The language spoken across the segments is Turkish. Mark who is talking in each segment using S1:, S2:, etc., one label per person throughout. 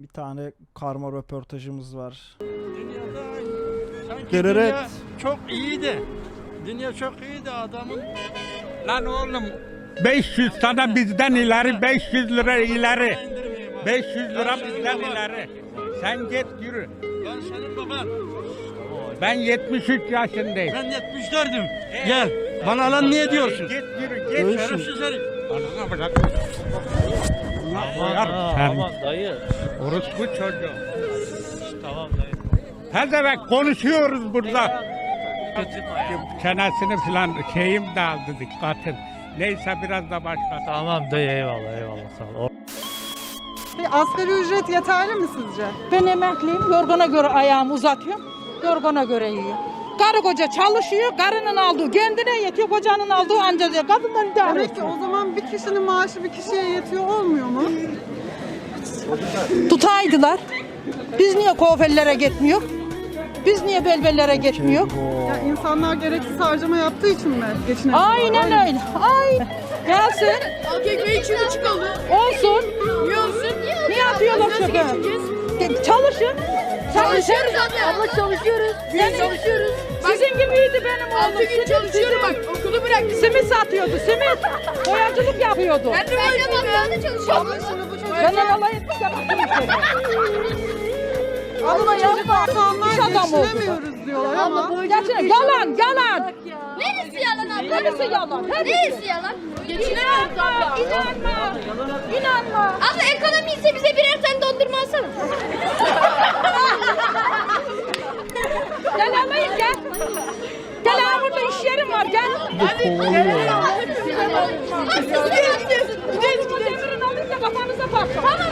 S1: Bir tane karma röportajımız var.
S2: Dünyada sanki
S1: Dırırıt.
S2: dünya çok iyiydi. Dünya çok iyiydi adamın.
S3: Lan oğlum 500 sana bizden ileri 500 lira ileri. 500 lira bizden ileri. Sen git yürü.
S2: Ben senin baban.
S3: Ben 73 yaşındayım.
S2: Ben 74'üm. Gel. Bana lan niye diyorsun?
S3: Git yürü git.
S1: Görüşürüz.
S2: Şerefsiz herif.
S3: Anana bırak.
S4: Aman dayı.
S3: Orospu çocuğu.
S4: Tamam dayı.
S3: Pezevenk konuşuyoruz burada.
S4: Kaçırma ya.
S3: Çenesini filan şeyim dağıldı dikkatim. Neyse biraz da başla.
S4: Tamam dayı eyvallah eyvallah sağ ol.
S5: Asgari ücret yeterli mi sizce?
S6: Ben emekliyim. Yorgana göre ayağımı uzatıyorum. Yorgana göre yiyor. Karı koca çalışıyor. Karının aldığı kendine yetiyor. Kocanın aldığı anca diyor. Kadından idare
S5: Demek ki
S6: ediyor.
S5: o zaman bir kişinin maaşı bir kişiye yetiyor olmuyor mu?
S6: Tutaydılar. Biz niye kuaförlere gitmiyor? Biz niye belbellere gitmiyor?
S5: Ya insanlar gereksiz harcama yaptığı için mi geçinemiyorlar?
S6: Aynen öyle. Ay. Gelsin.
S7: Halk ekmeği 2,5 oldu.
S6: Olsun.
S7: Niye olsun?
S6: Niye atıyorlar
S7: Nasıl
S6: çöpe?
S7: geçineceğiz?
S6: Çalışın.
S7: Çalışıyoruz abla çalışıyoruz. Biz çalışıyoruz.
S6: Sizin gibiydi benim oğlum.
S7: 6 gün çalışıyorum bak okulu bıraktım.
S6: Simit satıyordu. Simit. Boyacılık yapıyordu.
S7: Ben de bakkalda çalışıyorum.
S6: Benden alay etmiş yaptım. Allah yapma.
S5: İnsanlar
S6: İş adamı oldu.
S5: geçinemiyoruz diyorlar ama
S6: Gerçekten yalan, yalan.
S7: Neresi yalan abla?
S6: Hepsi yalan.
S7: Neresi yalan? Geçinemiyoruz abla.
S6: İnanma. İnanma.
S7: Abla ekonomi ise bize birer tane dondurma alsana.
S6: Gel alayım gel. Gel ha burada iş yerim var gel. Demirin alınca kafanıza patlar.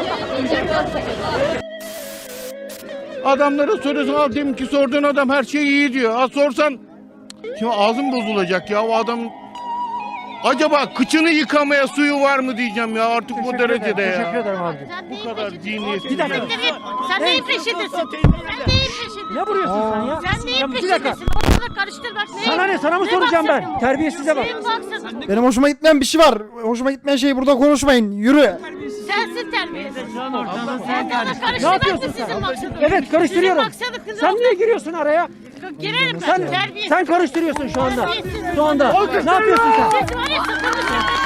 S8: Adamlara soruyorsun al demin ki sorduğun adam her şey iyi diyor. Ha sorsan şimdi ağzım bozulacak ya o adam. Acaba kıçını yıkamaya suyu var mı diyeceğim ya artık bu derecede ya. Teşekkür ederim abi. Bu kadar zihniyetsiz.
S7: Sen neyin peşindesin? Sen neyin peşindesin?
S9: Ne vuruyorsun sen ya?
S7: Sen neyin
S9: bir dakika.
S7: peşindesin? Ortalığı karıştır bak.
S9: Sana ne? Sana mı soracağım ben? Terbiyesize bak.
S7: Senin baksana.
S1: Benim hoşuma gitmeyen bir şey var. Hoşuma gitmeyen şeyi burada konuşmayın. Yürü.
S7: Sensin terbiyesiz. Sen de ortalığı
S9: Ne
S7: karıştırmak da
S9: yapıyorsun
S7: sizin
S9: sen?
S7: maksadınız.
S9: Evet karıştırıyorum.
S7: Sizin maksadınız.
S9: Sen niye giriyorsun araya?
S7: Girerim ben.
S9: Sen
S7: Terbiyesiz.
S9: sen karıştırıyorsun şu anda.
S7: Terbiyesiz.
S9: Şu anda. Ne yapıyorsun sen?
S7: Siz var ya sıkıntı.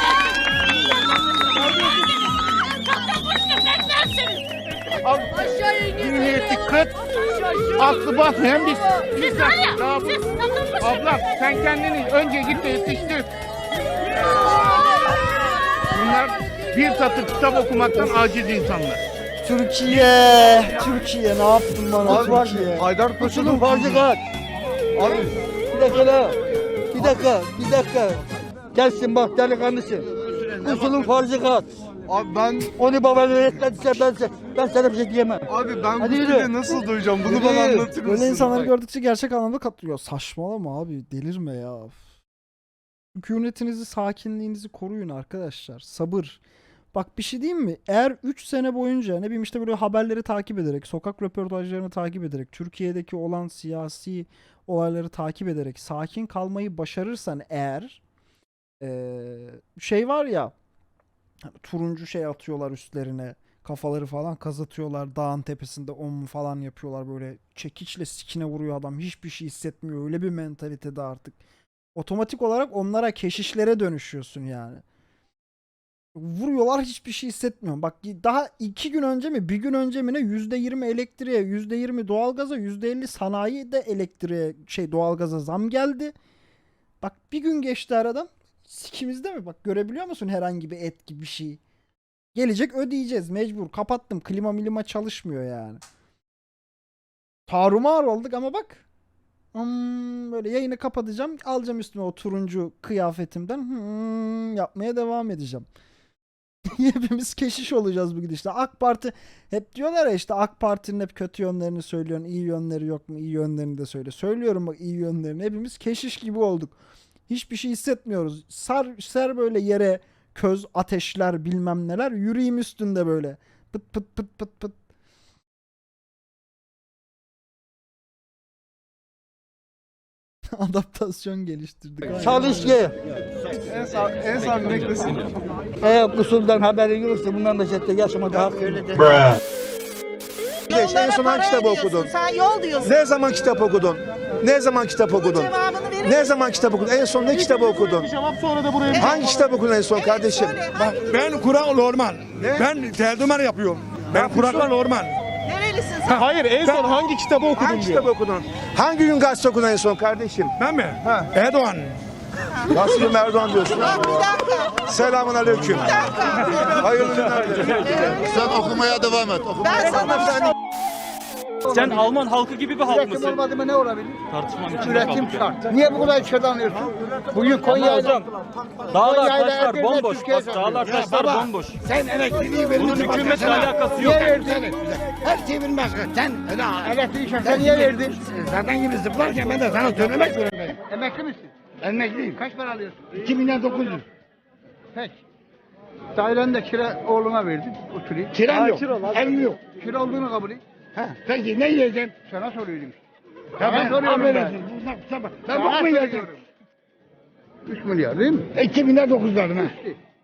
S8: Zihniyeti kıt. Aklı basmayan bir
S7: Siz var ya, siz satılmışsınız.
S8: Ablam sen kendini önce git de yetiştir. Bunlar bir satır kitap okumaktan aciz insanlar.
S1: Türkiye ne yaptın bana Türkiye?
S10: Haydar Koçu'nun farkı kaç? Abi bir dakika la. Bir dakika. Gelsin bak delikanlısın. Koçu'nun farkı kaç?
S8: Abi ben
S10: Onu baban öğretmediyse ben sana bir şey diyemem.
S8: abi ben
S10: Hadi yürü.
S8: nasıl duyacağım? Bunu
S10: Yürü.
S8: bana anlatır
S1: Böyle insanları gördükçe gerçek anlamda katlıyor. Saçmalama abi. Delirme ya. Sükunetinizi, sakinliğinizi koruyun arkadaşlar. Sabır. Bak bir şey diyeyim mi? Eğer 3 sene boyunca ne bileyim işte böyle haberleri takip ederek, sokak röportajlarını takip ederek, Türkiye'deki olan siyasi olayları takip ederek sakin kalmayı başarırsan eğer şey var ya hani turuncu şey atıyorlar üstlerine kafaları falan kazatıyorlar dağın tepesinde falan yapıyorlar böyle çekiçle sikine vuruyor adam hiçbir şey hissetmiyor öyle bir mentalitede artık otomatik olarak onlara keşişlere dönüşüyorsun yani. Vuruyorlar hiçbir şey hissetmiyorum. Bak daha 2 gün önce mi bir gün önce mi ne %20 elektriğe %20 doğalgaza %50 sanayide elektriğe doğalgaza zam geldi. Bak bir gün geçti aradan. Sikimizde mi? Bak görebiliyor musun herhangi bir et gibi bir şey? Gelecek ödeyeceğiz mecbur. Kapattım klima çalışmıyor yani. Tarumar olduk ama bak. Böyle yayını kapatacağım. Alacağım üstüme o turuncu kıyafetimden. Yapmaya devam edeceğim. Hepimiz keşiş olacağız bu gidişle. AK Parti hep diyorlar ya işte AK Parti'nin hep kötü yönlerini söylüyorsun. İyi yönleri yok mu? İyi yönlerini de söyle. Söylüyorum bak iyi yönlerini. Hepimiz keşiş gibi olduk. Hiçbir şey hissetmiyoruz. Ser böyle yere köz, ateşler bilmem neler. Yüreğim üstünde böyle. Pıt pıt pıt pıt pıt. Adaptasyon geliştirdik.
S10: Çalış ki.
S8: En sağ neklesin.
S10: Eğer kusurdan haberin yoksa bundan da ciddi yaşamada hak. En son hangi kitabı okudun?
S7: Sen yol diyorsun.
S10: Ne zaman kitap okudun? Ne zaman kitap okudun?
S7: Cevabını verir
S10: Ne zaman kitap okudun? En son ne kitabı okudun? Hangi kitap okudun en son kardeşim?
S3: Ben Kur'an normal. Ben tercüman yapıyorum. Ben Kur'an normal.
S7: Nerelisin sen?
S3: Hayır en son hangi kitabı okudun
S10: Hangi kitabı okudun? Hangi gün gazete okudun en son kardeşim?
S3: Ben mi? Erdoğan.
S10: Nasıl Erdoğan diyorsun?
S7: Bak bir dakika.
S10: Selamun aleyküm. Hayırlı günler dilerim.
S8: Sen okumaya devam et.
S7: Ben sana
S4: Sen Alman halkı gibi bir halk
S10: Üretim
S4: mısın?
S10: olmadı mı ne olabilir?
S4: Tartışmanın içinde
S10: Üretim
S4: kaldık.
S10: şart. Niye bu kadar içeriden alıyorsun? Bugün
S4: Ama
S10: Konya'da...
S4: hocam dağlar
S10: Konya'yla
S4: taşlar
S10: Edirne,
S4: bomboş.
S10: Türkiye'ye
S4: Bak dağlar
S10: satıyor.
S4: taşlar bomboş.
S8: Sen elektriği verin.
S4: Bunun hükümetle alakası yok.
S10: Niye verdin?
S8: Her şeyi bilmez. Sen
S10: Elektriği şartı niye verdin?
S8: zaten gibi zıplarken ben de sana söylemek zorundayım.
S10: Emekli misin?
S8: Emekliyim.
S10: Kaç para alıyorsun?
S8: 2900.
S10: Peki. Daireni de kira oğluna verdin. Oturayım.
S8: Kiram yok. Evim yok.
S10: Kira olduğunu kabul et.
S8: Ha, peki ne yiyeceksin?
S10: Sana soruyorum işte.
S8: Ya ben
S10: soruyorum
S8: affedersin. Ben bok mu yiyeceğim?
S10: 3 milyar değil mi?
S8: 2900 verdim ha.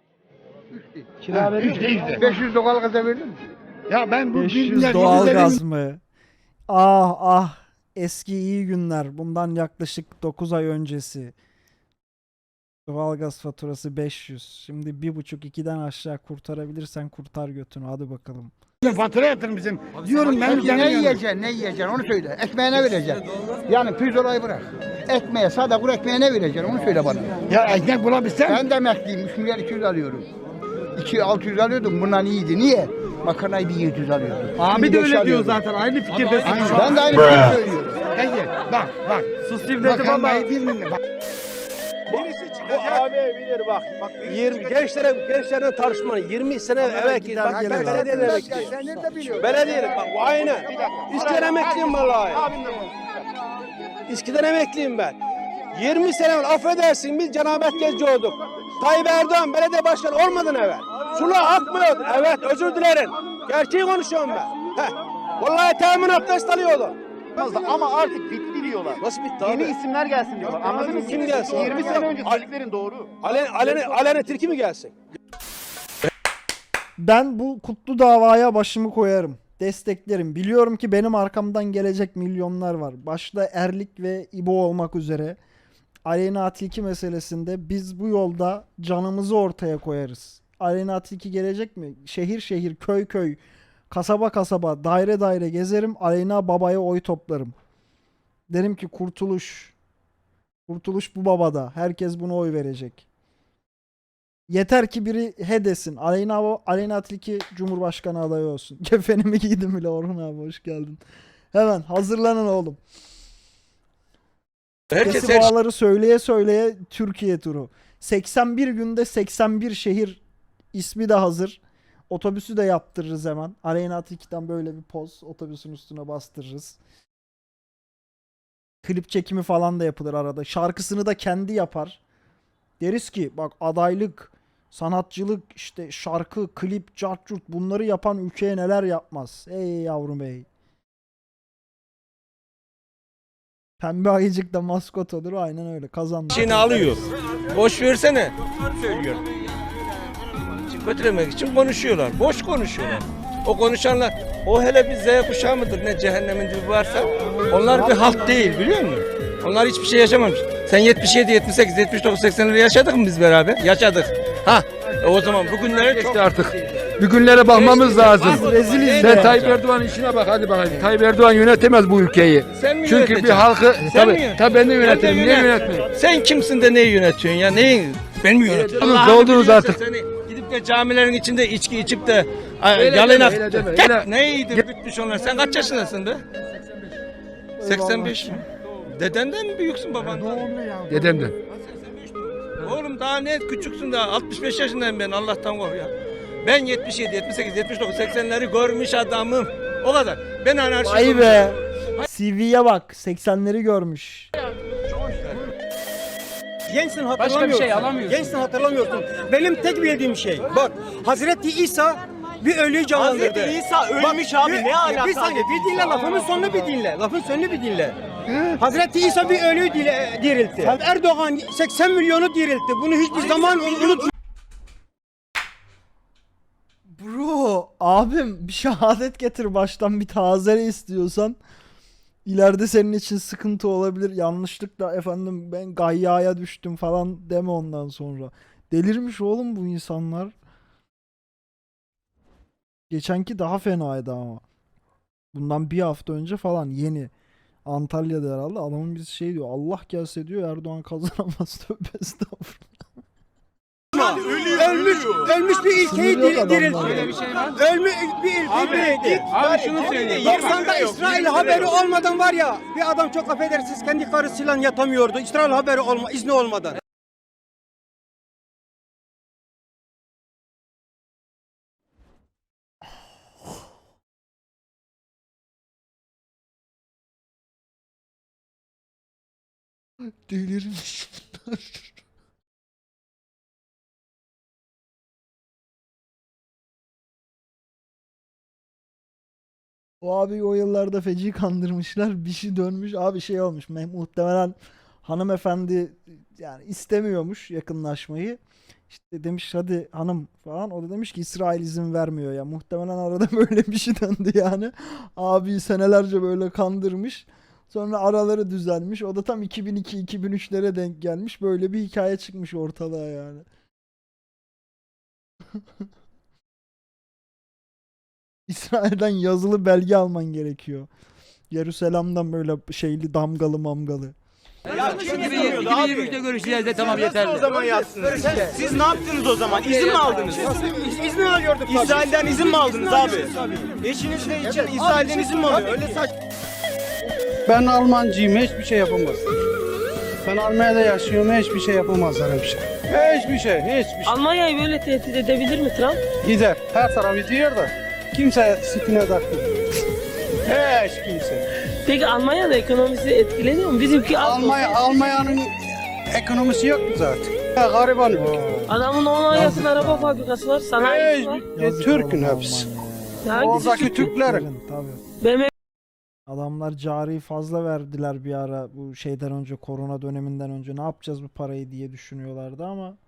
S10: Kira
S8: verdin mi? 3
S10: 500 doğal gaza verdin mi?
S8: Ya ben bu
S1: 500 doğalgaz mı? Ah ah, eski iyi günler. Bundan yaklaşık 9 ay öncesi. Doğalgaz faturası 500. Şimdi 1,5-2'den aşağı kurtarabilirsen kurtar götünü. Hadi bakalım.
S8: fatura yatırın bizim. Diyorum ben
S10: Ne yiyeceksin, ne yiyeceksin onu söyle. Ekmeğine vereceksin. Yani pirzolayı bırak. Ekmeğe, sade kuru ekmeğe ne vereceksin onu söyle bana.
S8: Ya ekmek bulabilsem.
S10: Ben de emekliyim, 3 milyar 200 alıyorum. 600 alıyordum, bundan iyiydi. Niye? Makarnayı 1700 alıyordum.
S9: Abi de öyle diyor zaten. Aynı fikirdesin.
S10: Ben de aynı şeyi söylüyorum.
S8: Peki bak.
S9: Sus devleti baba.
S8: Makarnayı 1 milyon. Bak.
S11: Abi bilir bak. 20 gençlerden tartışma 20 sene evvel git. Bak ben belediyede emekliyim.
S10: Sen nerede biliyorsun?
S11: Belediyede bak aynen. İskiden emekliyim vallahi. İskiden emekliyim ben. 20 sene evvel affedersin biz cenabet gezci olduk. Tayyip Erdoğan belediye başkanı olmadan evvel. Sular akmıyordu. Evet özür dilerim. Gerçeği konuşuyorum ben. Heh. Vallahi temin abdest alıyordu.
S12: Ama artık bitti diyorlar.
S11: Nasıl bitti abi?
S12: Yeni isimler gelsin diyorlar. Anladın mı?
S11: Kim gelsin?
S12: 20 sene önce söylediklerin doğru.
S11: Alene Tilki mi gelsin?
S1: Ben bu kutlu davaya başımı koyarım. Desteklerim. Biliyorum ki benim arkamdan gelecek milyonlar var. Başta Erlik ve İbo olmak üzere. Aleyna Tilki meselesinde biz bu yolda canımızı ortaya koyarız. Aleyna Tilki gelecek mi? Şehir şehir, köy köy, kasaba kasaba, daire daire gezerim. Aleyna babaya oy toplarım. Derim ki kurtuluş. Kurtuluş bu babada. Herkes buna oy verecek. Yeter ki biri he desin. Aleyna Tilki Cumhurbaşkanı adayı olsun. Kefenimi giydim bile Orhun abi hoş geldin. Hemen hazırlanın oğlum.
S11: Herkes
S1: Sesi bağları söyleye söyleye Türkiye turu. 81 günde 81 şehir ismi de hazır. Otobüsü de yaptırırız hemen. Aleyna Tilki'den böyle bir poz otobüsün üstüne bastırırız. Klip çekimi falan da yapılır arada. Şarkısını da kendi yapar. Deriz ki bak adaylık, sanatçılık, işte şarkı, klip, cartçurt bunları yapan ülkeye neler yapmaz. Ey yavrum ey. Pembe ayıcık da maskot olur. Aynen öyle. Kazandı.
S11: Şeyini alıyor. Boş versene. Söylüyor. Kötülemek için konuşuyorlar. Boş konuşuyorlar. O konuşanlar, o hele bir Z kuşağı mıdır ne cehennemin dibi varsa onlar bir halk değil biliyor musun? Onlar hiçbir şey yaşamamış. Sen 77, 78, 79, 80'leri yaşadık mı biz beraber? Yaşadık. Ha, o zaman bugünlere çok
S8: artık. Bir günlere bakmamız lazım.
S1: Reziliz
S8: Sen
S1: de.
S8: Tayyip Erdoğan'ın işine bak hadi bakalım. Tayyip Erdoğan yönetemez bu ülkeyi.
S11: Sen mi
S8: Çünkü bir
S11: yöneteceksin?
S8: halkı
S11: Sen mi
S8: tabii
S11: yöneteceksin?
S8: ben de yönetirim.
S11: Sen de
S8: Niye
S11: yönet.
S8: yönetmeyeyim?
S11: Sen kimsin de neyi yönetiyorsun ya? Neyi? Ben mi yönetiyorum?
S8: Doldunuz
S11: biliyorsa
S8: artık.
S11: Seni gidip de camilerin içinde içki içip de
S8: Öyle
S11: yalına
S8: deme, öyle deme, öyle.
S11: neydi bitmiş onlar? Sen kaç yaşındasın be? 85 mi? Dedenden mi büyüksün babandan?
S8: Dedemden.
S11: Oğlum daha ne küçüksün daha 65 yaşındayım ben Allah'tan kork ya. Ben 77, 78, 79, 80'leri görmüş adamım. O kadar. Ben anarşist.
S1: Vay be. CV'ye bak. 80'leri görmüş.
S9: Gençsin hatırlamıyorsun. Başka bir şey alamıyorsun. Gençsin hatırlamıyorsun. Benim tek bildiğim şey. Bak Hazreti İsa bir ölüyü canlandırdı. Hazreti İsa ölmüş abi ne alaka? Bir saniye bir dinle lafımın sonunu bir dinle. Lafın sonunu bir dinle. Hazreti İsa bir ölüyü diriltti. Erdoğan 80 milyonu diriltti. Bunu hiçbir zaman unutma.
S1: Bro. abim bir şehadet getir baştan, bir tazele istiyorsan. İleride senin için sıkıntı olabilir. Yanlışlıkla efendim ben gayyaya düştüm falan deme ondan sonra. Delirmiş oğlum bu insanlar. Geçenki daha fenaydı ama. Bundan bir hafta önce falan yeni. Antalya'da herhalde adamın bir şey diyor. Allah gelse diyor Erdoğan kazanamaz. Tövbe estağfurullah.
S9: Ölmüş bir ülkeyi
S1: Sınır yok
S9: diriltti.
S1: adamlarda.
S9: Ölmüş bir ülkeyi diriltti.
S11: Abi şunu söyleyeyim.
S9: 90'da İsrail haberi olmadan var ya, bir adam çok affedersiniz kendi karısıyla yatamıyordu. İsrail haberi izni olmadan.
S1: Delirmiş bunlar. O abi o yıllarda feci kandırmışlar. Bir şey dönmüş. Abi şey olmuş. Muhtemelen hanımefendi yani istemiyormuş yakınlaşmayı. İşte demiş hadi hanım falan. O da demiş ki İsrail izin vermiyor ya. Muhtemelen arada böyle bir şey döndü yani. Abi senelerce böyle kandırmış. Sonra araları düzelmiş. O da tam 2002-2003'lere denk gelmiş. Böyle bir hikaye çıkmış ortalığa yani. İsrail'den yazılı belge alman gerekiyor. Yerusalem'den böyle şeyli damgalı mamgalı.
S9: Ya 2023'te
S11: görüşeceğiz de tamam yeterli.
S9: o zaman yazsınız. Siz ne yaptınız o zaman? İzin mi aldınız? İzin alıyorduk. İsrail'den izin mi aldınız abi? Eşinizle için İsrail'den izin mi alıyor? Öyle saç.
S10: Ben Almancıyım, hiçbir şey yapamaz. Ben Almanya'da yaşıyorum, hiçbir şey yapamazlar hemşire. Hiçbir şey.
S7: Almanya'yı böyle tehdit edebilir mi Trump?
S10: Gider, her tarafı gidiyor da kimse sikine takmıyor. Hiç kimse.
S7: Peki Almanya'da ekonomisi etkileniyor mu? Bizimki
S10: Almanya'nın ekonomisi yok mu zaten? Ya, gariban ülke.
S7: Adamın 10'a yakın araba fabrikası var, sanayisi var.
S10: Türk'ün hepsi. Oradaki Türklerin.
S1: Tabii.
S7: BMW
S1: Adamlar cari fazla verdiler bir ara bu şeyden önce, korona döneminden önce. Ne yapacağız bu parayı diye düşünüyorlardı ama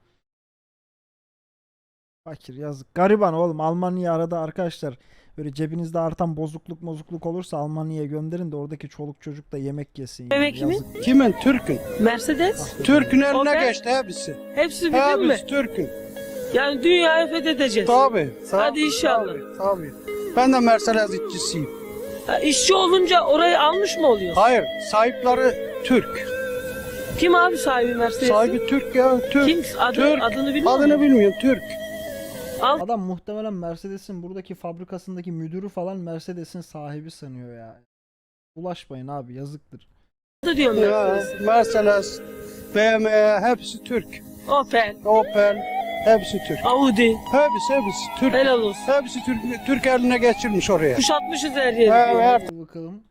S1: fakir, yazık. Gariban oğlum. Almanya arada arkadaşlar böyle cebinizde artan bozukluk olursa Almanya'ya gönderin de oradaki çoluk çocuk da yemek yesin. Yani.
S7: Evet, kimin?
S1: Yazık.
S10: Kimin? Türk'ün.
S7: Mercedes.
S10: Türk'ün eline
S7: Opel.
S10: geçti hepsi.
S7: Hepsi bizim mi?
S10: Hepsi Türk'ün.
S7: Yani dünyayı fethedeceğiz.
S10: Tabii.
S7: Hadi inşallah.
S10: Tabii. Ben de Mercedes işçisiyim.
S7: Ha, işçi olunca orayı almış mı oluyor?
S10: Hayır, sahipleri Türk.
S7: Kim abi sahibi Mercedes?
S10: Sahibi Türk ya, Türk.
S7: Kim?
S10: Türk.
S7: Adını bilmiyor
S10: Adını
S7: musun?
S10: bilmiyorum, Türk.
S1: Adam muhtemelen Mercedes'in buradaki fabrikasındaki müdürü falan Mercedes'in sahibi sanıyor ya. Bulaşmayın abi, yazıktır.
S7: Adı diyorum
S10: Ya,
S7: Mercedes.
S10: Mercedes, BMW hepsi Türk.
S7: Opel,
S10: Hepsi Türk.
S7: Audi.
S10: Hepsi Türk.
S7: Helal olsun.
S10: Hepsi Türk eline geçirmiş oraya.
S7: Kuşatmışız her yeri.
S10: Evet.
S1: Hadi bakalım.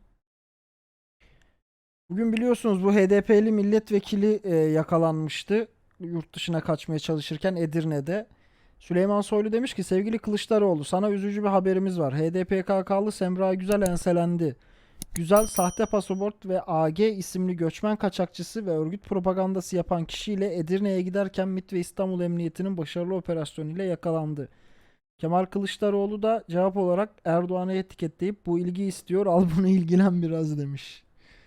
S1: Bugün biliyorsunuz bu HDP'li milletvekili yakalanmıştı. Yurt dışına kaçmaya çalışırken Edirne'de. Süleyman Soylu demiş ki sevgili Kılıçdaroğlu sana üzücü bir haberimiz var. HDPKK'lı Semra Güzel enselendi. Güzel sahte pasaport ve AG isimli göçmen kaçakçısı ve örgüt propagandası yapan kişiyle Edirne'ye giderken MİT ve İstanbul Emniyeti'nin başarılı operasyonuyla yakalandı. Kemal Kılıçdaroğlu da cevap olarak Erdoğan'ı etiketleyip bu ilgi istiyor al bunu ilgilen biraz demiş.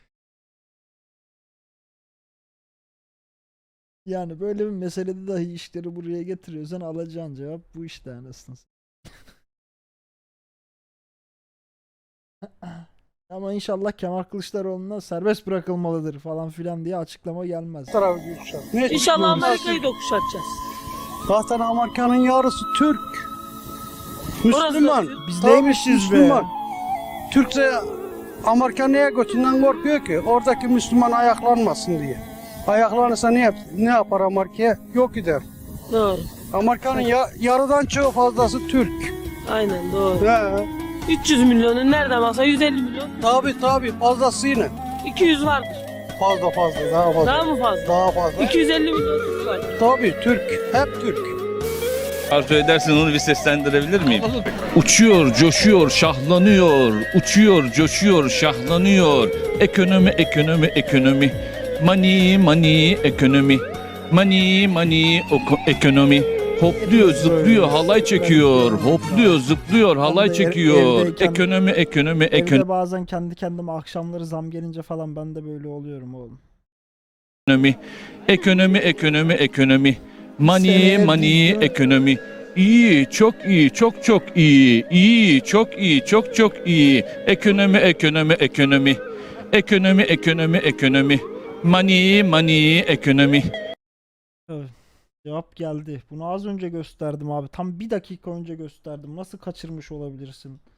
S1: Yani böyle bir meselede dahi işleri buraya getiriyorsan alacağın cevap bu işte anasını. Ama inşallah Kemal Kılıçdaroğlu'na serbest bırakılmalıdır falan filan diye açıklama gelmez.
S7: İnşallah Amerika'yı da kuşatacağız.
S10: Zaten Amerika'nın yarısı Türk. Müslüman.
S1: Biz
S10: Tabii,
S1: neymişiz be?
S10: Müslüman. Türkse Amerika niye götünden korkuyor ki? Oradaki Müslüman ayaklanmasın diye. Ayaklanırsa ne yapar Amerika'ya? Yok gider.
S7: Doğru.
S10: Amerika'nın yarıdan çoğu fazlası Türk.
S7: Aynen doğru.
S10: He.
S7: 300 milyonun nereden baksa 150 milyon.
S10: Tabii fazlasıyla.
S7: 200 vardır.
S10: Fazla daha fazla.
S7: Daha mı fazla?
S10: Daha fazla.
S7: 250 milyon Türk var.
S10: Tabii Türk. Hep Türk.
S13: Arzu edersin onu bir seslendirebilir miyim? Uçuyor, coşuyor, şahlanıyor. Uçuyor, coşuyor, şahlanıyor. Ekonomi. Money, ekonomi. Money, ekonomi. Hopluyor, zıplıyor, halay çekiyor. Hopluyor, zıplıyor, halay
S1: de
S13: çekiyor.
S1: evdeyken-
S13: Ekonomi, ekonomi, ekonomi.
S1: Evde bazen kendi kendime akşamları zam gelince falan ben de böyle oluyorum oğlum.
S13: Ekonomi, ekonomi, ekonomi, ekonomi. Money,
S1: Seneye
S13: money,
S1: değil mi?
S13: ekonomi. İyi, çok iyi, çok çok iyi. İyi, çok iyi, çok çok iyi. Ekonomi, ekonomi, ekonomi. Ekonomi, ekonomi, ekonomi. Money, money, ekonomi.
S1: Evet. Cevap geldi. Bunu az önce gösterdim abi. Tam 1 dakika önce gösterdim. Nasıl kaçırmış olabilirsin?